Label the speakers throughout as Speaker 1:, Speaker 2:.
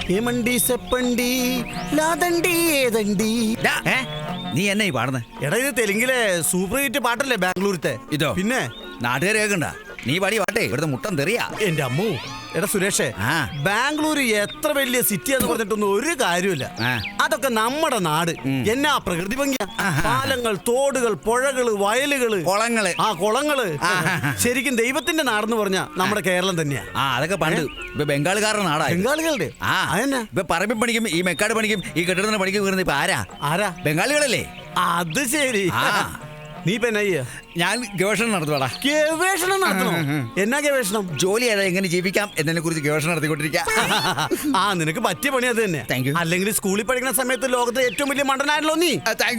Speaker 1: ഏമണ്ടി സെപ്പണ്ടി ലാദണ്ടി ഏതണ്ടി.
Speaker 2: നീ എന്നെ ഈ പാടുന്നേ?
Speaker 1: എടാ ഇത് തെലുങ്കിലെ സൂപ്പർ ഹിറ്റ് പാട്ടല്ലേ ബാംഗ്ലൂരത്തെ?
Speaker 2: ഇതോ
Speaker 1: പിന്നെ
Speaker 2: നാട്ടുകാർ കേൾക്കണ്ട. നീ പാടി പാട്ടേ ഇവിടുത്തെ മുട്ടം തെറിയാ.
Speaker 1: എന്റെ അമ്മു. എടാ സുരേഷേ, ബാംഗ്ലൂർ എത്ര വലിയ സിറ്റി എന്ന് പറഞ്ഞിട്ടൊന്നും ഒരു കാര്യമില്ല. അതൊക്കെ നമ്മുടെ നാട്. എന്നാ പ്രകൃതി ഭംഗിയാ. പാലങ്ങൾ, തോടുകൾ, പുഴകള്, വയലുകള്,
Speaker 2: കുളങ്ങള്.
Speaker 1: കുളങ്ങള്. ശരിക്കും ദൈവത്തിന്റെ നാടെന്ന് പറഞ്ഞാ നമ്മുടെ കേരളം തന്നെയാ.
Speaker 2: അതൊക്കെ പണ്ട്. ഇപ്പൊ ബംഗാളുകാരുടെ നാടാ.
Speaker 1: ബംഗാളികളുടെ
Speaker 2: ഇപ്പൊ പറമ്പിൽ പണിക്കും ഈ മെക്കാട് പണിക്കും ഈ കെട്ടിടത്തിന് പണിക്കും വീറുന്നത് ഇപ്പൊ ആരാ? ബംഗാളികളല്ലേ?
Speaker 1: അത് ശരി. നീ ഇപ്പൊ എന്നാ ചെയ്യാ?
Speaker 2: ഞാൻ ഗവേഷണം നടത്തുവാടാ.
Speaker 1: ഗവേഷണം നടത്തണോ? എന്നാ ഗവേഷണം?
Speaker 2: ജോലി എങ്ങനെ ജീവിക്കാം എന്നതിനെ കുറിച്ച് ഗവേഷണം നടത്തിക്കൊണ്ടിരിക്കാം.
Speaker 1: നിനക്ക് പറ്റിയ പണി അത് തന്നെ. അല്ലെങ്കിൽ സ്കൂളിൽ പഠിക്കുന്ന സമയത്ത് ലോകത്തെ ഏറ്റവും വലിയ മണ്ടനായല്ലോ നീ.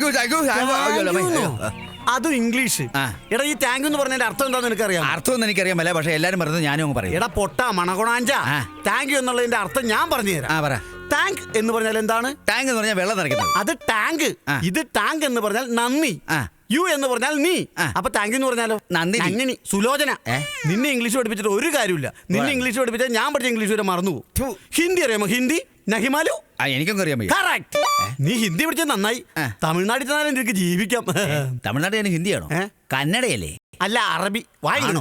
Speaker 1: അതും ഇംഗ്ലീഷ്. എടാ ഈ താങ്ക് എന്ന് പറഞ്ഞതിന്റെ അർത്ഥം എന്താന്ന് എനിക്കറിയാം.
Speaker 2: അർത്ഥം എനിക്കറിയാമല്ല, പക്ഷെ എല്ലാരും പറഞ്ഞത് ഞാനും പറയും.
Speaker 1: എടാ പൊട്ട മണകൊണാഞ്ച, താങ്ക് യു എന്നുള്ളതിന്റെ അർത്ഥം ഞാൻ പറഞ്ഞു തരാം. ടാങ്ക് എന്ന് പറഞ്ഞാൽ എന്താണ്?
Speaker 2: ടാങ്ക് എന്ന് പറഞ്ഞാൽ വെള്ളം നിറയ്ക്കുന്നത്.
Speaker 1: അത് ടാങ്ക്. ഇത് ടാങ്ക് എന്ന് പറഞ്ഞാൽ നന്ദി. യു എന്ന് പറഞ്ഞാൽ നീ. അപ്പൊ താങ്ക് യു എന്ന് പറഞ്ഞാലോ? നന്ദിനി. സുലോചന. നിന്നെ ഇംഗ്ലീഷ് പഠിപ്പിച്ചിട്ട് ഒരു കാര്യമില്ല. നിന്നെ ഇംഗ്ലീഷ് പഠിപ്പിച്ചാൽ ഞാൻ പഠിച്ച ഇംഗ്ലീഷ് വരെ മറന്നു പോകും. ഹിന്ദി അറിയാമോ? ഹിന്ദി നഹിമാലു.
Speaker 2: എനിക്കൊന്നും അറിയാൻ പറ്റും.
Speaker 1: കറക്റ്റ്. നീ ഹിന്ദി പഠിച്ചാൽ നന്നായി. തമിഴ്നാട്ടിൽ ചെന്നാലും നിനക്ക് ജീവിക്കാം.
Speaker 2: തമിഴ്നാട്ടിൽ എനിക്ക് ഹിന്ദിയാണോ? കന്നഡയല്ലേ?
Speaker 1: അല്ല, അറബി. വായിക്കണോ?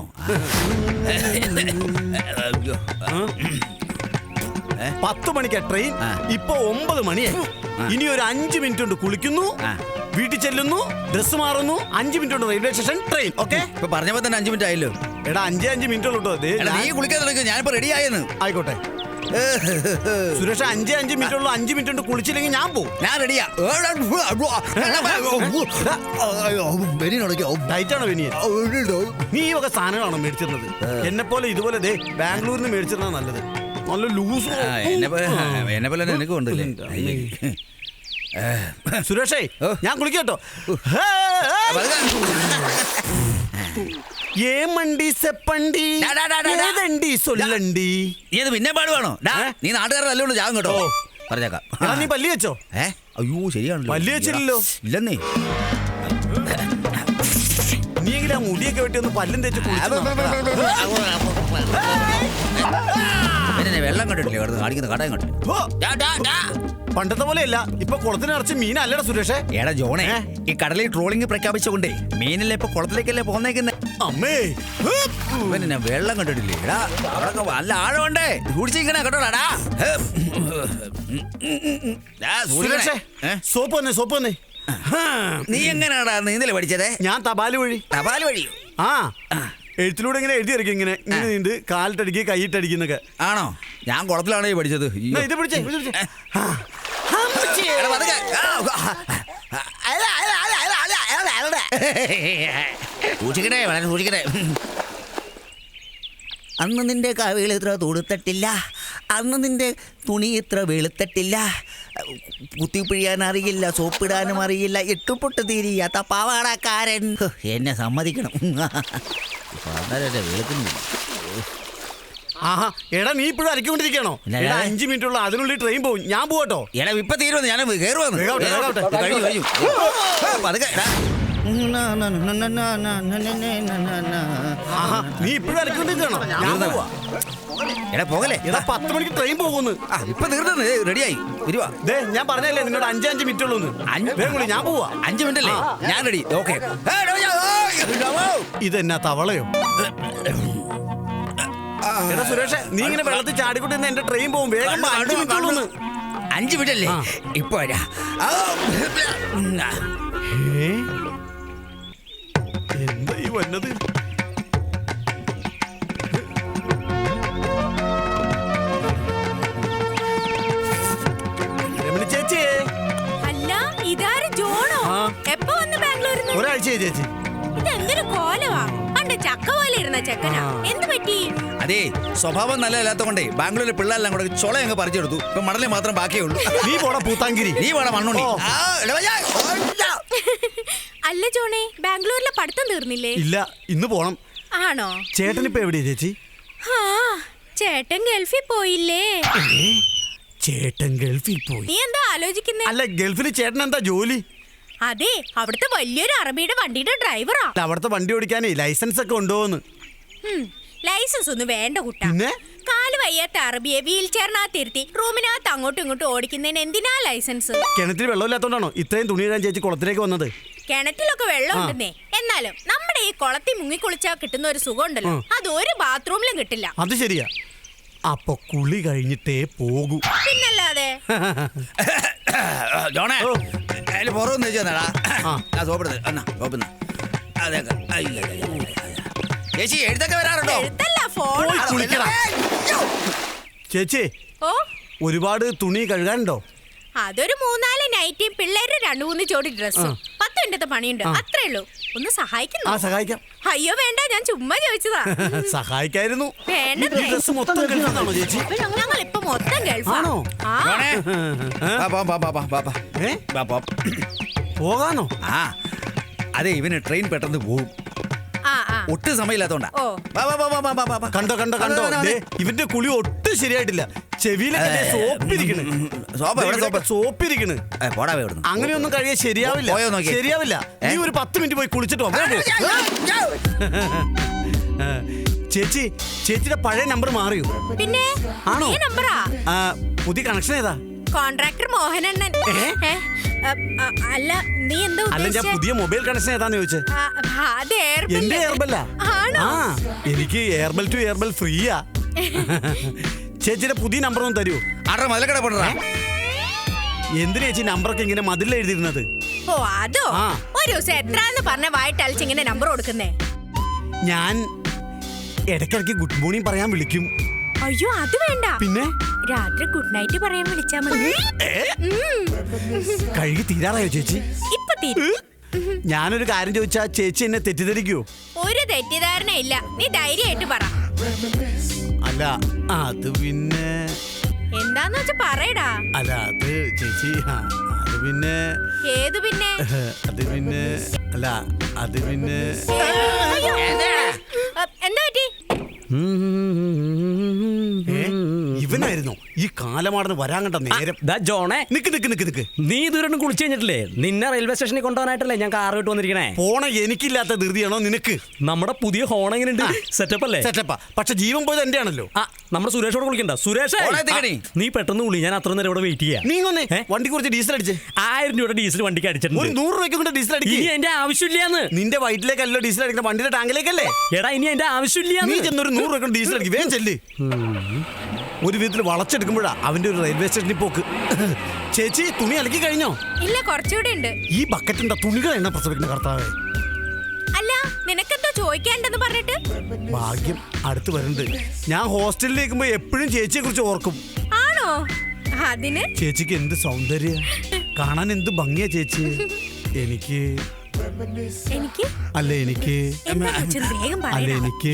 Speaker 1: 10 മണിക്കാ ട്രെയിൻ. ഇപ്പൊ 9 മണിയായി. ഇനി ഒരു 5 മിനിറ്റ് കൊണ്ട് കുളിക്കുന്നു, വീട്ടിൽ ചെല്ലുന്നു, ഡ്രസ് മാറുന്നു, 5 മിനിറ്റ് കൊണ്ട് റെയിൽവേ സ്റ്റേഷൻ ട്രെയിൻ. ഓക്കെ?
Speaker 2: ഇപ്പൊ പറഞ്ഞപ്പോ തന്നെ 5 മിനിറ്റ് ആയല്ലോ.
Speaker 1: എടാ 5 മിനിറ്റ് ഉള്ളൂ.
Speaker 2: നീ കുളിക്കാൻ തുടങ്ങി. ഞാനിപ്പോ റെഡി ആയെന്ന്.
Speaker 1: ആയിക്കോട്ടെ സുരേഷ്. 5 മിനിറ്റ് ഉള്ളൂ. 5 മിനിറ്റ് കൊണ്ട് കുളിച്ചില്ലെങ്കിൽ ഞാൻ പോകും.
Speaker 2: ഞാൻ റെഡിയാ.
Speaker 1: ഡയറ്റാണോ വെനിയൻ? നീ ഈ വക സാധനങ്ങളാണോ മേടിച്ചിരുന്നത്? എന്നെ പോലെ ഇതുപോലെ ബാംഗ്ലൂരിൽ നിന്ന് മേടിച്ചിരുന്ന നല്ലത്. നല്ല ലൂസ്.
Speaker 2: എന്നെ പോലെ നിനക്ക് കൊണ്ടല്ലേ
Speaker 1: സുരേഷേ, ഞാൻ കുളിക്കട്ടോ. ഏമണ്ടി സെപ്പണ്ടി ഏതണ്ടി സൊല്ലണ്ടി.
Speaker 2: നീ അത് പിന്നെ പാടുവാണോ? നീ നാട്ടുകാരെ നല്ലോണം ജാഗം കേട്ടോ. പറഞ്ഞേക്കാം.
Speaker 1: നീ പല്ലി വെച്ചോ?
Speaker 2: അയ്യോ ശരിയാണല്ലോ.
Speaker 1: പല്ലി വെച്ചില്ലല്ലോ.
Speaker 2: ഇല്ലെന്നേ.
Speaker 1: നീ എങ്കിലും ആ മുടിയൊക്കെ വെട്ടി ഒന്ന് പല്ലും തേച്ച്
Speaker 2: വെള്ളം കണ്ടിട്ടില്ലേ? കാണിക്കുന്ന കടയും കണ്ടില്ല.
Speaker 1: പണ്ടത്തെ പോലെയല്ല. ഇപ്പൊ കുളത്തിന് നിറച്ച് മീനല്ലടാ സുരേഷ്.
Speaker 2: എടാ ജോണേ, ഈ കടലിൽ ട്രോളിംഗ് പ്രഖ്യാപിച്ചുകൊണ്ടേ മീനല്ലേ ഇപ്പൊ കുളത്തിലേക്കല്ലേ പോന്നേക്കുന്നേ.
Speaker 1: അമ്മേ,
Speaker 2: പിന്നെ വെള്ളം കണ്ടിട്ടില്ലേ? എടാ അവിടെ നല്ല ആഴമുണ്ടേ. കുടിച്ചിരിക്കണേ കേട്ടോടാ.
Speaker 1: സോപ്പ് വന്നേ, സോപ്പ് വന്നേ.
Speaker 2: നീ എങ്ങനെയാടാ നീന്തല് പഠിച്ചതേ?
Speaker 1: ഞാൻ തപാല് വഴി.
Speaker 2: തപാല് വഴിയോ?
Speaker 1: എഴുത്തിലൂടെ ഇങ്ങനെ എഴുതി ഇറക്കി. ഇങ്ങനെ നീന്ത്, കാലിട്ടടിക്കുക, കൈയിട്ടടിക്കുന്നൊക്കെ.
Speaker 2: ആണോ? ഞാൻ കുളത്തിലാണോ പഠിച്ചത്.
Speaker 1: ഇത് പിടിച്ചേ.
Speaker 2: സൂക്ഷിക്കണേ, വളരെ സൂക്ഷിക്കണേ. അന്ന് നിന്റെ കവികൾ ഇത്ര തൊടുത്തിട്ടില്ല, അന്ന് നിന്റെ തുണി ഇത്ര വെളുത്തിട്ടില്ല, കുത്തിപ്പിഴിയാൻ അറിയില്ല, സോപ്പിടാനും അറിയില്ല, ഇട്ടുപൊട്ട് തീരിയാത്ത പാവാടക്കാരൻ. എന്നെ സമ്മതിക്കണം. വെളുക്കുന്നു.
Speaker 1: എടാ നീ ഇപ്പോഴും അരക്കൊണ്ടിരിക്കണോ? 5 മിനിറ്റ് ഉള്ള, അതിനുള്ളിൽ ട്രെയിൻ പോകും. ഞാൻ പോകട്ടോ?
Speaker 2: എടാ ഇപ്പൊ തീരുവന്ന്. ഞാൻ കയറുവന്ന്.
Speaker 1: നീ ഇപ്പോഴും അരക്കൊണ്ടിരിക്കണോ?
Speaker 2: എടാ പോകലേ.
Speaker 1: എടാ 10 മണിക്ക് ട്രെയിൻ പോകുന്നു.
Speaker 2: ഇപ്പൊ തീർന്നു. റെഡിയായി വരുവാ.
Speaker 1: ഞാൻ പറഞ്ഞല്ലേ നിന്നോട് 5 മിനിറ്റ് ഉള്ളൂ. ഞാൻ പോവാ.
Speaker 2: 5 മിനിറ്റ് അല്ലേ? ഞാൻ റെഡി. ഓക്കെ.
Speaker 1: ഇതെന്നാ തവളയോ? എടാ സുരേഷ്, നീ ഇങ്ങനെ വെള്ളത്തിൽ ചാടിക്കൊണ്ടിരുന്ന എന്റെ ട്രെയിൻ പോകും. വേഗം 5 മിനിറ്റ് ഉള്ളൂ.
Speaker 2: 5 മിനിറ്റ് അല്ലേ? ഇപ്പൊ
Speaker 1: എന്താ ഈ വന്നത്? ചേച്ചി.
Speaker 3: അല്ല, ഇതാര് ജോണോ? എപ്പോ വന്ന് ബാംഗ്ലൂരിൽ?
Speaker 1: ഒരാഴ്ചയായി ചേച്ചി.
Speaker 3: ഇതെന്തൊരു കോലവാ. പണ്ട് ചക്ക പോലെ ഇരുന്ന ചെക്കനാ. എന്ത് പറ്റി?
Speaker 2: അതെ, സ്വഭാവം നല്ലതല്ലാത്തോണ്ടേ ബാംഗ്ലൂരിലെ പിള്ളേരെല്ലാം കൂടെ ചൊള അങ്ങ് പറിച്ചെടുത്തു. ഇപ്പൊ മണലെ മാത്രം ബാക്കിയുള്ളൂ.
Speaker 1: നീ പോടാ പൂത്താങ്കിരി.
Speaker 2: നീ പോടാ മണ്ണുണ്ണി.
Speaker 3: അല്ല ജോണേ, ബാംഗ്ലൂരിലെ പഠിത്തം തീർന്നില്ലേ?
Speaker 1: ഇല്ല, ഇന്ന് പോണം.
Speaker 3: ആണോ?
Speaker 1: ചേട്ടൻ ഇപ്പൊ എവിടെയാ ചേച്ചി?
Speaker 3: ചേട്ടൻ ഗൾഫിൽ പോയില്ലേ?
Speaker 1: ചേട്ടൻ ഗൾഫിൽ പോയി.
Speaker 3: നീ എന്താ ആലോചിക്കുന്നേ?
Speaker 1: അല്ല, ഗൾഫിൽ ചേട്ടൻ എന്താ ജോലി?
Speaker 3: അതെ, അവിടുത്തെ വലിയൊരു അറബിയുടെ വണ്ടിയുടെ ഡ്രൈവറാ.
Speaker 1: അവിടുത്തെ വണ്ടി ഓടിക്കാനേ ലൈസൻസ് ഒക്കെ ഉണ്ടോന്ന്?
Speaker 3: ലൈസൻസ് ഒന്നും വേണ്ട കുട്ടാ. കാല് വയ്യാത്ത അറബിയെ വീൽ ചെയറിനകത്തിരുത്തി റൂമിനകത്ത് അങ്ങോട്ടും ഇങ്ങോട്ടും ഓടിക്കുന്നതിന് എന്തിനാ ലൈസൻസ്?
Speaker 1: കിണറ്റിൽ വെള്ളമില്ലാത്തോണ്ടാണോ ഇത്രയും തുണി ഇടാൻ ചേച്ചി കുളത്തിലേക്ക് വന്നത്?
Speaker 3: കിണറ്റിലൊക്കെ വെള്ളം ഉണ്ടെന്നേ, എന്നാലും നമ്മുടെ ഈ കുളത്തിൽ മുങ്ങിക്കുളിച്ചാൽ കിട്ടുന്ന ഒരു സുഖം ഉണ്ടല്ലോ, അത് ഒരു ബാത്റൂമിലും കിട്ടില്ല.
Speaker 1: അത് ശരിയാ. അപ്പൊ കുളി കഴിഞ്ഞിട്ടേ പോകൂ.
Speaker 3: പിന്നല്ലാതെ.
Speaker 2: ജോണേ പുറമൊന്ന് വെച്ചാടാ സോപ്പെടുന്നത് എന്നാ സോപ്പെടുന്ന ചേച്ചി എഴുത്തൊക്കെ വരാറുണ്ടോ?
Speaker 3: എഴുത്തല്ല, ഫോൺ.
Speaker 1: കുളിക്കടാ. ചേച്ചി
Speaker 3: ഓ,
Speaker 1: ഒരുപാട് തുണി കഴുകാനുണ്ടോ?
Speaker 3: അതൊരു 4-4 നൈറ്റിയും പിള്ളേരുടെ 2-3 ജോഡി ഡ്രസ്സും 10 മിനിറ്റത്തെ പണിയുണ്ട്, അത്രേ ഉള്ളൂ. ഒന്ന് സഹായിക്കുന്നു?
Speaker 1: സഹായിക്കാം.
Speaker 3: അയ്യോ വേണ്ട, ഞാൻ ചുമ്മാ ചോദിച്ചതാ.
Speaker 1: സഹായിക്കായിരുന്നു.
Speaker 3: വേണ്ടേ,
Speaker 1: ഡ്രസ് മൊത്തം കഴുകാനാണോ ചേച്ചി?
Speaker 3: ഞങ്ങൾ ഇപ്പൊ മൊത്തം ഗൾഫാണോ?
Speaker 1: പോകാനോ?
Speaker 2: അതെ, ഇവന് ട്രെയിൻ പെട്ടെന്ന് പോകും, ഒട്ടും സമയമില്ലാത്തോണ്ടാ.
Speaker 1: കണ്ടോ കണ്ടോ കണ്ടോ, ഇവന്റെ കുളി ഒട്ടും ശരിയായിട്ടില്ല. ചെവിയിലൊക്കെ സോപ്പിരിക്കണ്. അങ്ങനെയൊന്നും കഴിയാൻ ശരിയാവില്ല. ശരിയാവില്ല. നീ ഒരു 10 മിനിറ്റ് പോയി കുളിച്ചിട്ട് വാ. ചേച്ചി, ചേച്ചിയുടെ പഴയ നമ്പർ മാറിയോ?
Speaker 3: പിന്നെ
Speaker 1: ആണോ?
Speaker 3: നമ്പറാ.
Speaker 1: പുതിയ കണക്ഷൻ ഏതാ?
Speaker 3: കോൺട്രാക്ടർ മോഹനണ്ണൻ. അല്ല, നീ എന്താ
Speaker 1: അല്ല, ഞാൻ പുതിയ മൊബൈൽ കണക്ഷൻ ഏതാന്ന് ചോദിച്ചേ. എന്റെ എയർബെല്ലാ. എനിക്ക് എയർബെൽ ടു എയർബെൽ ഫ്രീയാ. ചേച്ചിയുടെ പുതിയ നമ്പർ ഒന്ന് തരൂ. എന്തിനാ ചേച്ചി നമ്പറൊക്കെ ഇങ്ങനെ മതിൽ എഴുതിയിരുന്നത്?
Speaker 3: ഓ, അതോ? ഒരു ദിവസം എത്രാന്ന് പറഞ്ഞ വായിട്ടളിച്ച് ഇങ്ങനെ നമ്പർ കൊടുക്കുന്നേ?
Speaker 1: ഞാൻ ഇടയ്ക്കിടയ്ക്ക് ഗുഡ് മോർണിംഗ് പറയാൻ വിളിക്കും.
Speaker 3: അയ്യോ, അത് വേണ്ട.
Speaker 1: പിന്നെ
Speaker 3: രാത്രി ഗുഡ് നൈറ്റ് പറയാൻ വിളിച്ചാ മതി.
Speaker 1: കഴുകി തീരാറായോ ചേച്ചി?
Speaker 3: ഇപ്പൊ തീരും.
Speaker 1: ഞാനൊരു കാര്യം ചോദിച്ചാ ചേച്ചി എന്നെ തെറ്റിദ്ധരിക്കോ?
Speaker 3: ഒരു തെറ്റിദ്ധാരണ ഇല്ല, നീ ധൈര്യമായിട്ട് പറ.
Speaker 1: അല്ല, അത് പിന്നെ
Speaker 3: എന്താന്ന് വെച്ചാ പറയടാ.
Speaker 1: അല്ല, അത് ചേച്ചി, അത് പിന്നെ.
Speaker 3: ഏത് പിന്നെ?
Speaker 1: അത് പിന്നെ അല്ല, അത് പിന്നെ.
Speaker 3: എന്താ പറ്റി?
Speaker 1: ഇവനായിരുന്നു ഈ കാലമാടന് വരാൻ കണ്ട നേരം.
Speaker 4: ജോണേ,
Speaker 1: നിക്ക് നിക്ക് നിക്ക് നിക്ക്.
Speaker 4: നീ ഇതുവരെ കുളിച്ചു കഴിഞ്ഞിട്ടില്ലേ? നിന്നെ റെയിൽവേ സ്റ്റേഷനിൽ കൊണ്ടുപോകാനായിട്ടല്ലേ ഞാൻ കാർ വിട്ട് വന്നിരിക്കണേ.
Speaker 1: പോണ എനിക്കില്ലാത്ത ധൃതിയാണോ നിനക്ക്?
Speaker 4: നമ്മുടെ പുതിയ ഹോൺ എങ്ങനെയുണ്ട്? സെറ്റപ്പ് അല്ലേ?
Speaker 1: സെറ്റപ്പാ. പക്ഷെ ജീവൻ പോയത് എന്റെ ആണല്ലോ.
Speaker 4: നമ്മുടെ സുരേഷോട് കുളിക്കണ്ട. സുരേഷ്, നീ പെട്ടെന്ന് കുളി, ഞാൻ അത്ര നേരം ഇവിടെ വെയിറ്റ് ചെയ്യാം.
Speaker 1: നീ ഒന്നേ വണ്ടി കുറച്ച് ഡീസൽ അടിച്ചേ.
Speaker 4: 1000 രൂപയുടെ ഡീസൽ വണ്ടിക്ക് അടിച്ചിട്ടുണ്ട്.
Speaker 1: 100 രൂപയ്ക്ക് കൊണ്ട് ഡീസൽ അടിക്കും.
Speaker 4: ഇനി എന്റെ ആവശ്യമില്ലാന്ന്.
Speaker 1: നിന്റെ വയറ്റിലേക്കല്ലോ ഡീസൽ അടിക്കുന്ന, വണ്ടിയുടെ ടാങ്കിലേക്കല്ലേ.
Speaker 4: എടാ, ഇനി എന്റെ ആവശ്യമില്ല.
Speaker 1: നീ ചെന്നൊരു 100 രൂപ ഡീസൽ അടിക്കും. വേഗം ചെല്ല്. ഒരു വിധത്തിൽ വളച്ചെടുക്കുമ്പോഴാ അവന്റെ ഒരു റെയിൽവേ സ്റ്റേഷനിൽ പോക്ക്. ചേച്ചി, തുണി അലക്കി കഴിഞ്ഞോ?
Speaker 3: ഇല്ല, കുറച്ചുകൂടെ ഉണ്ട്.
Speaker 1: ഈ ബക്കറ്റിന്റെ തുണികൾ എണ്ണ പ്രസവിക്കുന്ന കർത്താവേ.
Speaker 3: അല്ല, നിനക്കെന്തോ ചോദിക്കാണ്ടെന്ന് പറഞ്ഞിട്ട്?
Speaker 1: ഭാഗ്യം, അടുത്ത് വരുന്നുണ്ട്. ഞാൻ ഹോസ്റ്റലിലേക്കുമ്പോ എപ്പോഴും ചേച്ചിയെ കുറിച്ച് ഓർക്കും.
Speaker 3: ആണോ? അതിന്
Speaker 1: ചേച്ചിക്ക് എന്ത് സൗന്ദര്യ, കാണാൻ എന്ത് ഭംഗിയാ ചേച്ചി. എനിക്ക് അല്ല എനിക്ക് അല്ല എനിക്ക്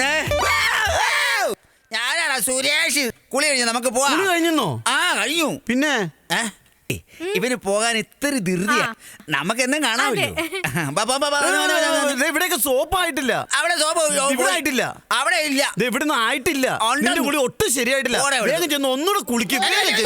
Speaker 2: ഞാനാണ് സുരേഷ്. കുളി കഴിഞ്ഞു, നമുക്ക് പോവാം.
Speaker 1: തുണി കഴിഞ്ഞോ?
Speaker 2: കഴിഞ്ഞു.
Speaker 1: പിന്നെ
Speaker 2: ഇവന് പോകാൻ ഇത്ര ധൃതിയാ. നമുക്ക് എന്നും കാണാമല്ലോ.
Speaker 1: ഇവിടെയൊക്കെ സോപ്പായിട്ടില്ല.
Speaker 2: അവിടെ സോപ്പ്
Speaker 1: ഇവിടെ ആയിട്ടില്ല.
Speaker 2: അവിടെ ഇല്ല.
Speaker 1: ഇവിടുന്ന് ആയിട്ടില്ല. നിന്റെ കുളി ഒട്ടും ശരിയായിട്ടില്ല. വേഗം ചെന്ന് ഒന്നുകൂടെ കുളിക്കും.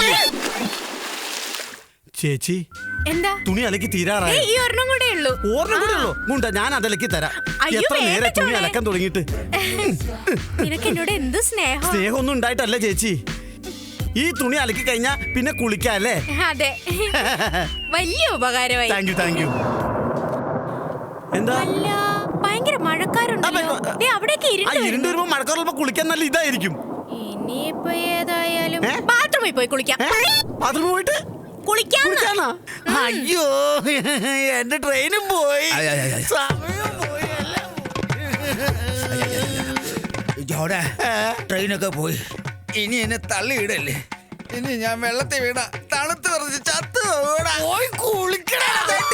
Speaker 1: ചേച്ചി,
Speaker 3: എന്താ?
Speaker 1: തുണി അലക്കി തീരാറായി.
Speaker 3: ഈ ഒരെണ്ണം കൂടെ ഉള്ളൂ.
Speaker 1: ഓർമ്മ കൂടെ ഉള്ളൂ. ഗുണ്ട, ഞാൻ അതലക്കി തരാം. എത്ര നേരെ തുണി അലക്കാൻ തുടങ്ങിയിട്ട്.
Speaker 3: നിനക്ക് എന്നോട് എന്ത് സ്നേഹം.
Speaker 1: സ്നേഹമൊന്നും ഉണ്ടായിട്ടല്ല ചേച്ചി. ഈ തുണി അലക്കി കഴിഞ്ഞാ പിന്നെ കുളിക്കാല്ലേ?
Speaker 3: അതെ, വലിയ ഉപകാരമായി.
Speaker 1: Thank you, thank you. എന്താ?
Speaker 3: അല്ല, ഭയങ്കര മഴക്കാരുണ്ടല്ലോ. അവിടേക്ക്
Speaker 1: ഇരുണ്ട് വരുമ്പോ മഴക്കാറുള്ളപ്പോ കുളിക്കാൻ നല്ല ഇതായിരിക്കും.
Speaker 3: ഇനിയിപ്പോ ഏതായാലും ബാത്റൂമിൽ പോയി കുളിക്കാം.
Speaker 1: ബാത്റൂമിൽ പോയിട്ട് കുളിക്കാനാ? അയ്യോ, എന്റെ ട്രെയിനും പോയി, സമയം പോയി, എല്ലാം
Speaker 2: ജോടെ. ട്രെയിനൊക്കെ പോയി. ഇനി എന്നെ തള്ളിയിടല്ലേ. ഇനി ഞാൻ വെള്ളത്തിൽ വീണ തണുത്ത് പറഞ്ഞ് ചത്ത് പോയി കുളിക്കണ.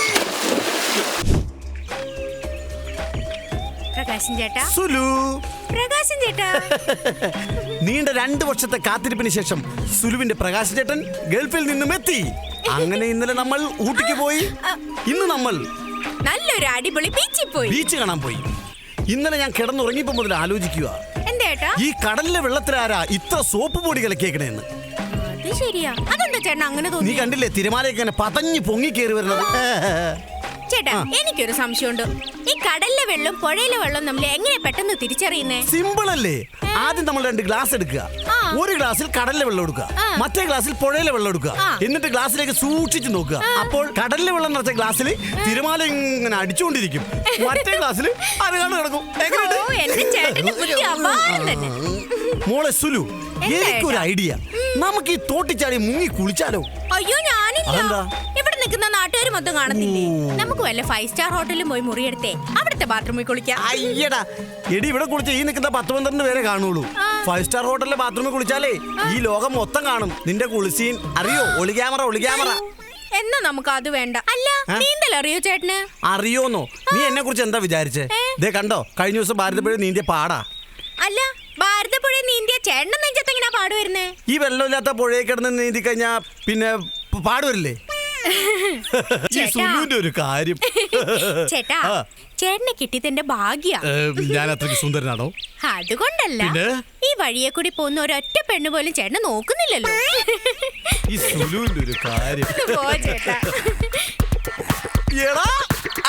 Speaker 3: പ്രകാശൻ ചേട്ടാ.
Speaker 1: സുലു.
Speaker 3: പ്രകാശൻ ചേട്ടാ.
Speaker 1: നീണ്ട 2 വർഷത്തെ കാത്തിരിപ്പിന് ശേഷം സുലുവിന്റെ പ്രകാശൻ ചേട്ടൻ ഗൾഫിൽ നിന്നും എത്തി. അങ്ങനെ ഇന്നലെ നമ്മൾ ഊട്ടിക്ക് പോയി. ഇന്ന് നമ്മൾ
Speaker 3: നല്ലൊരു അടിപൊളി ബീച്ചിൽ പോയി.
Speaker 1: ബീച്ച് കാണാൻ പോയി. ഇന്നലെ ഞാൻ കിടന്നുറങ്ങിയപ്പോ മുതൽ ആലോചിക്കുക, ഈ കടലിലെ വെള്ളത്തിലാരാ ഇത്ര സോപ്പ് പൊടി കലക്കിയേക്കണേന്ന്.
Speaker 3: അത് ശരിയാ. അതെന്താ ചേട്ടൻ അങ്ങനെ തോന്നി?
Speaker 1: നീ കണ്ടില്ലേ തിരമാലയൊക്കെ പതഞ്ഞു പൊങ്ങി കയറി വരുന്നത്?
Speaker 3: ചേട്ടാ എനിക്കൊരു സംശയമുണ്ട്. ഈ കടലിലെ വെള്ളം പുഴയിലെ വെള്ളം നമ്മൾ എങ്ങനെ പെട്ടെന്ന് തിരിച്ചറിയുന്നേ?
Speaker 1: സിമ്പിൾ അല്ലേ? ആദ്യം നമ്മൾ 2 ഗ്ലാസ് എടുക്കുക. ഒരു ഗ്ലാസ്സിൽ കടലിലെ വെള്ളം എടുക്കുക, മറ്റേ ഗ്ലാസ്സിൽ പുഴയിലെ വെള്ളം എടുക്കുക. എന്നിട്ട് ഗ്ലാസ്സിലേക്ക് സൂക്ഷിച്ചു നോക്കുക. അപ്പോൾ കടലിലെ വെള്ളം നിറച്ച ഗ്ലാസ്സിൽ തിരമാല ഇങ്ങനെ അടിച്ചുകൊണ്ടിരിക്കും, മറ്റേ ഗ്ലാസ്സിൽ അരകാണ് കിടക്കും.
Speaker 3: ഓ, എന്റെ ചേട്ടന്റെ ബുദ്ധി അപാരം തന്നെ.
Speaker 1: മോളെ സുലു, എനിക്കൊരു ഐഡിയ. നമുക്ക് ഈ തോട്ടിച്ചാടി മുങ്ങി കുളിച്ചാലോ?
Speaker 3: അയ്യോ ഞാനില്ല.
Speaker 1: അതെന്താ?
Speaker 3: ഇവിടെ നിൽക്കുന്ന നാട്ടുകാർ മൊത്തം കാണത്തില്ലേ? നമുക്ക് വല്ല 5 സ്റ്റാർ ഹോട്ടലിൽ പോയി മുറിയെടുത്തേ അവിടുത്തെ ബാത്റൂമിൽ കുളിക്കാം.
Speaker 1: അയ്യടാ എടി, ഇവിടെ കുളിച്ച ഈ നിൽക്കുന്ന 10-12 പേരെ കാണുള്ളൂ. 5 സ്റ്റാർ ഹോട്ടലിലെ ബാത്റൂമിൽ കുളിച്ചാലേ ഈ ലോകം മൊത്തം കാണും. നിന്റെ കുളിസീൻ അറിയോ? ഒളി ക്യാമറ.
Speaker 3: എന്നാ നമുക്ക് അത് വേണ്ട. അല്ല, നീന്തൽ അറിയോ ചേട്ടന്?
Speaker 1: അറിയോന്നോ? നീ എന്നെ കുറിച്ച് എന്താ വിചാരിച്ചേ? ദേ കണ്ടോ, കഴിഞ്ഞ ദിവസം ഭാരതപ്പുഴ നീന്തിയ പാടാ.
Speaker 3: അല്ല, ഭാരതപ്പുഴ നീന്തിയ ചേട്ടൻ നെഞ്ചത്ത് എങ്ങനെയാ പാട് വരുന്നേ?
Speaker 1: ഈ വെള്ളമില്ലാത്ത പുഴയിൽ കിടന്ന് നീന്തി കഴിഞ്ഞാ പിന്നെ പാടുവരില്ലേ? ഈ സുലുവിന്റെ ഒരു കാര്യം.
Speaker 3: ചേട്ടാ, ചേട്ടനെ കിട്ടിയതിന്റെ ഭാഗ്യ.
Speaker 1: ഞാൻ അത്രയ്ക്ക് സുന്ദരനാണോ?
Speaker 3: അതുകൊണ്ടല്ല, ഈ വഴിയെ കൂടി പോകുന്ന ഒരൊറ്റ പെണ്ണ് പോലും ചേട്ടനെ നോക്കുന്നില്ലല്ലോ.
Speaker 1: ഈ സുലുവിന്റെ ഒരു കാര്യം.
Speaker 3: പോ ചേട്ടാ.
Speaker 1: എടാ,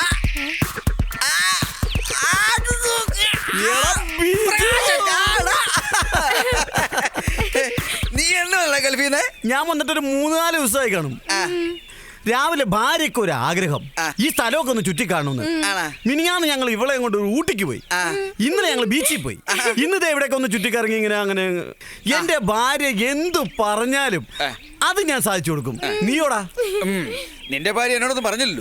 Speaker 2: നീ എന്നല്ല ഗൾഫീന്ന്?
Speaker 1: ഞാൻ വന്നിട്ട് ഒരു 3-4 ദിവസമായി കാണും. രാവിലെ ഭാര്യയ്ക്ക് ഒരു ആഗ്രഹം, ഈ സ്ഥലമൊക്കെ ഒന്ന് ചുറ്റിക്കാണുന്ന്. മിനിഞ്ഞാന്ന് ഞങ്ങൾ ഇവളെ കൊണ്ട് ഒരു ഊട്ടിക്ക് പോയി. ഇന്നലെ ഞങ്ങൾ ബീച്ചിൽ പോയി. ഇന്നത്തെ എവിടെയൊക്കെ ഒന്ന് ചുറ്റിക്കറങ്ങി ഇങ്ങനെ അങ്ങനെ. എന്റെ ഭാര്യ എന്തു പറഞ്ഞാലും അത് ഞാൻ സാധിച്ചു കൊടുക്കും. നീയോടാ?
Speaker 5: നിന്റെ ഭാര്യ എന്നോടൊന്നും പറഞ്ഞില്ലല്ലോ.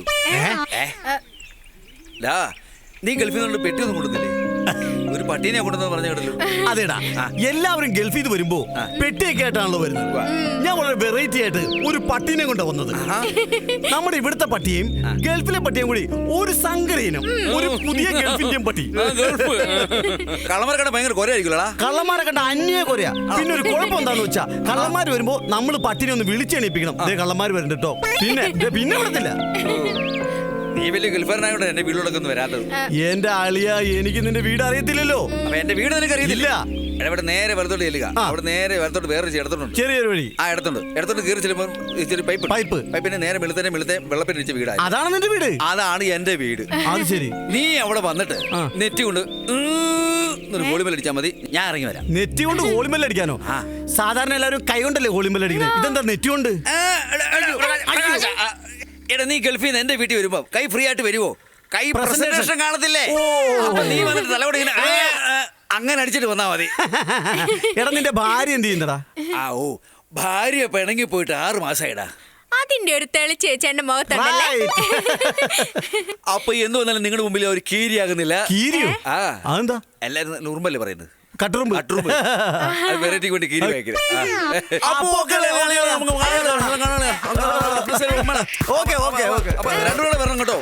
Speaker 5: നീ ഗൾഫിൽ നിന്നുള്ള പെട്ടിയൊന്നും കൊണ്ടുവന്നില്ലേ? ഒരു പട്ടീനെ കൊണ്ടുവന്ന് പറഞ്ഞു കേട്ടല്ലോ.
Speaker 1: അതേടാ, എല്ലാവരും ഗൾഫിൽ നിന്ന് വരുമ്പോ പെട്ടിയൊക്കെ ആയിട്ടാണല്ലോ വരുന്നത്. ഞാൻ വളരെ വെറൈറ്റി ആയിട്ട് ഒരു പട്ടീനെ കൊണ്ടാ വന്നത്. നമ്മുടെ ഇവിടുത്തെ പട്ടിയും ഗൾഫിലെ പട്ടിയും കൂടി ഒരു സങ്കരയിനം, ഒരു പുതിയ ഗൾഫിന്റെയും പട്ടി.
Speaker 5: കള്ളന്മാരെ കണ്ട ഭയങ്കര കൊരയായിരിക്കുമല്ലോടാ.
Speaker 1: കള്ളന്മാരെ കണ്ട അന്യ കൊറയാ. പിന്നെ ഒരു കുഴപ്പം എന്താന്ന് വെച്ചാ, കള്ളന്മാര് വരുമ്പോ നമ്മൾ പട്ടിനെ ഒന്ന് വിളിച്ചെണീപ്പിക്കണം. കള്ളന്മാര് വരുന്നുണ്ട് കേട്ടോ. പിന്നെ വിടത്തില്ല.
Speaker 5: നീ വലിയ ഗൾഫാരനായോണ്ട് എന്റെ വീട്ടിലൊക്കെ ഒന്ന് വരാത്തത്.
Speaker 1: എന്റെ ആളിയ, എനിക്ക് നിന്റെ വീട് അറിയത്തില്ലല്ലോ.
Speaker 5: അപ്പൊ എന്റെ വീട് നിനക്ക് അറിയത്തില്ല. ഇവിടെ നേരെ വലത്തോട്ട് ചെല്ലുക. അവിടെ നേരെ വലത്തോട്ട് വേറെ ഇടത്തോട്ടുണ്ട്, ചെറിയൊരു വഴി. ഇടത്തോട്ട് കയറി ചെല്ലുമ്പോൾ ഇച്ചിരി പൈപ്പിന്റെ നേരെ വെളുത്തന്നെ വെള്ളപ്പിന് വെച്ച വീടാണ്.
Speaker 1: അതാണ് നിന്റെ വീട്?
Speaker 5: അതാണ് എന്റെ വീട്.
Speaker 1: അത് ശരി.
Speaker 5: നീ അവിടെ വന്നിട്ട് നെറ്റ് കൊണ്ട് ഹോളിമേൽ അടിച്ചാൽ മതി, ഞാൻ ഇറങ്ങി വരാം.
Speaker 1: നെറ്റ് കൊണ്ട് ഹോളിമേൽ അടിക്കാനോ? സാധാരണ എല്ലാവരും കൈ കൊണ്ടല്ലേ ഹോളിമേൽ അടിക്കുന്നത്. ഇതെന്താ നെറ്റ് കൊണ്ട്?
Speaker 5: എടാ, നീ ഗൾഫിൽ നിന്ന് എന്റെ വീട്ടിൽ വരുമ്പോ കൈ ഫ്രീ ആയിട്ട് വരുമോ? കൈ പ്രസന്റേഷൻ കാണത്തില്ലേ? അപ്പൊ നീ വന്നിട്ട് തലയോടെ അങ്ങനെ അടിച്ചിട്ട് വന്നാ മതി.
Speaker 1: എടാ, നിന്റെ ഭാര്യ എന്ത് ചെയ്യുന്നടാ?
Speaker 5: ഓ, ഭാര്യ പിണങ്ങി പോയിട്ട് 6 മാസമായിടാ.
Speaker 3: അതിന്റെ ഒരു തെളിച്ചേച്ചന്റെ മുഖത്തുണ്ടല്ലേ.
Speaker 5: അപ്പൊ എന്ത് വന്നാലും നിങ്ങളുടെ മുമ്പിൽ ഒരു കീരിയാകുന്നില്ല.
Speaker 1: കീരിയോ? അതെന്താ?
Speaker 5: എല്ലാരും നുറുമ്പല്ലേ പറയുന്നത്?
Speaker 1: കട്ടുറുമ്പ്.
Speaker 5: വെറൈറ്റി കൊണ്ട് കീരി വയ്ക്കുന്നത്. രണ്ടുകൂടെ വരണം കേട്ടോ.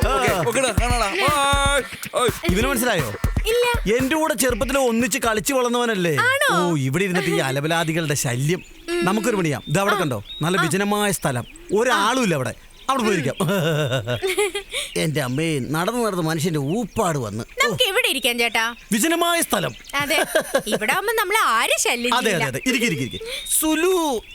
Speaker 1: ഇവന് മനസ്സിലായോ? എന്റെ കൂടെ ചെറുപ്പത്തിൽ ഒന്നിച്ച് കളിച്ചു വളർന്നവനല്ലേ? ഓ, ഇവിടെ ഇരുന്നിട്ട് ഈ അലബലാദികളുടെ ശല്യം. നമുക്കൊരു പണിയാം. ഇത് അവിടെ കണ്ടോ, നല്ല വിജനമായ സ്ഥലം, ഒരാളും ഇല്ല അവിടെ. അവിടെ പോയിരിക്കാം. എന്റെ അമ്മേ, നടന്ന് മനുഷ്യന്റെ ഊപ്പാട് വന്ന്.
Speaker 3: നമുക്ക് ഇവിടെ ഇരിക്കാം ചേട്ടാ,
Speaker 1: വിജനമായ സ്ഥലം.
Speaker 3: അതെ, ഇവിടെ ആവുമ്പോ നമ്മളെ ആരും ശല്യം ചെയ്യില്ല.
Speaker 1: അതെ, ഇരിക്കും. സുലു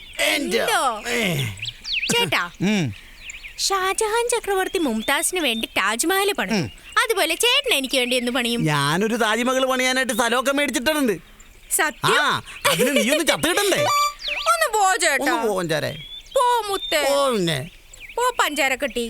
Speaker 3: ചേട്ടാ, ഷാജഹാൻ ചക്രവർത്തി മുംതാസിന് വേണ്ടി താജ്മഹൽ പണിയും. അതുപോലെ ചേട്ടൻ എനിക്ക് വേണ്ടി എന്ന് പണിയും?
Speaker 1: ഞാനൊരു താജ്മഹൽ പണിയാനായിട്ട് സ്ഥലമൊക്കെ മേടിച്ചിട്ടുണ്ട്.
Speaker 3: സത്യം?
Speaker 1: അതിന് നീ ഒന്ന് ചത്തുകിട്ടണ്ടേ?
Speaker 3: ഒന്ന് പോ ചേട്ടാ. പോ മുത്തേ. പോ പഞ്ചാര കെട്ടി.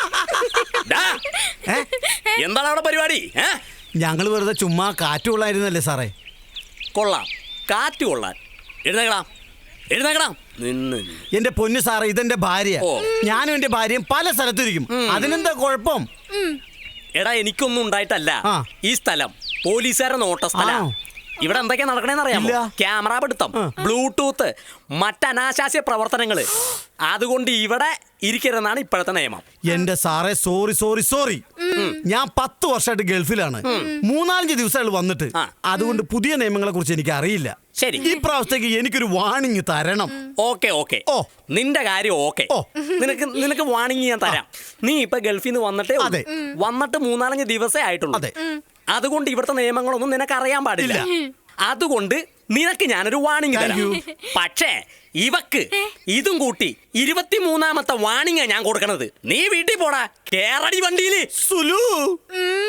Speaker 4: എന്താണ് അവിടെ പരിപാടി?
Speaker 1: ഞങ്ങൾ വെറുതെ ചുമ്മാ കാറ്റ് കൊള്ളായിരുന്നല്ലേ സാറേ.
Speaker 4: കൊള്ളാം, കാറ്റ് കൊള്ളാൻ. എഴുന്നേക്കണം.
Speaker 1: എന്റെ പൊന്നു സാറേ, ഇതെന്റെ ഭാര്യ. ഞാനും എന്റെ ഭാര്യയും പല സ്ഥലത്തിരിക്കും. അതിനെന്താ കുഴപ്പം?
Speaker 4: എടാ, എനിക്കൊന്നും ഉണ്ടായിട്ടല്ല. ഈ സ്ഥലം പോലീസുകാരെ നോട്ട സ്ഥലം. ഇവിടെ എന്തൊക്കെയാ നടക്കണേന്ന് അറിയാമോ? ക്യാമറ പിടുത്തം, ബ്ലൂടൂത്ത്, മറ്റനാശാസ്യ പ്രവർത്തനങ്ങള്. അതുകൊണ്ട് ഇവിടെ ഇരിക്കരുതെന്നാണ് ഇപ്പോഴത്തെ നിയമം.
Speaker 1: എന്റെ സാറേ, സോറി. ഞാൻ 10 വർഷമായിട്ട് ഗൾഫിലാണ്. 3-4 ദിവസമായിട്ട് വന്നിട്ട്. അതുകൊണ്ട് പുതിയ നിയമങ്ങളെ കുറിച്ച് എനിക്ക് അറിയില്ല.
Speaker 4: ശരി,
Speaker 1: ഈ പ്രാവശ്യത്തേക്ക് എനിക്കൊരു വാണിംഗ് തരണം.
Speaker 4: ഓക്കെ. നിന്റെ കാര്യം ഓക്കെ. നിനക്ക് വാണിംഗ് ഞാൻ തരാം. നീ ഇപ്പൊ ഗൾഫിൽ നിന്ന് വന്നിട്ട് 3-4 ദിവസമേ ആയിട്ടുള്ളൂ. അതുകൊണ്ട് ഇവിടുത്തെ നിയമങ്ങളൊന്നും നിനക്ക് അറിയാൻ പാടില്ല. അതുകൊണ്ട് നിനക്ക് ഞാനൊരു വാണിംഗ് തരാം. പക്ഷേ ഇവക്ക് ഇതും കൂട്ടി 23ാമത്തെ വാണിംഗാ ഞാൻ കൊടുക്കണത്. നീ വീട്ടിൽ പോടാ, കേറടി വണ്ടിയില്.
Speaker 1: സുലു
Speaker 3: ഉം.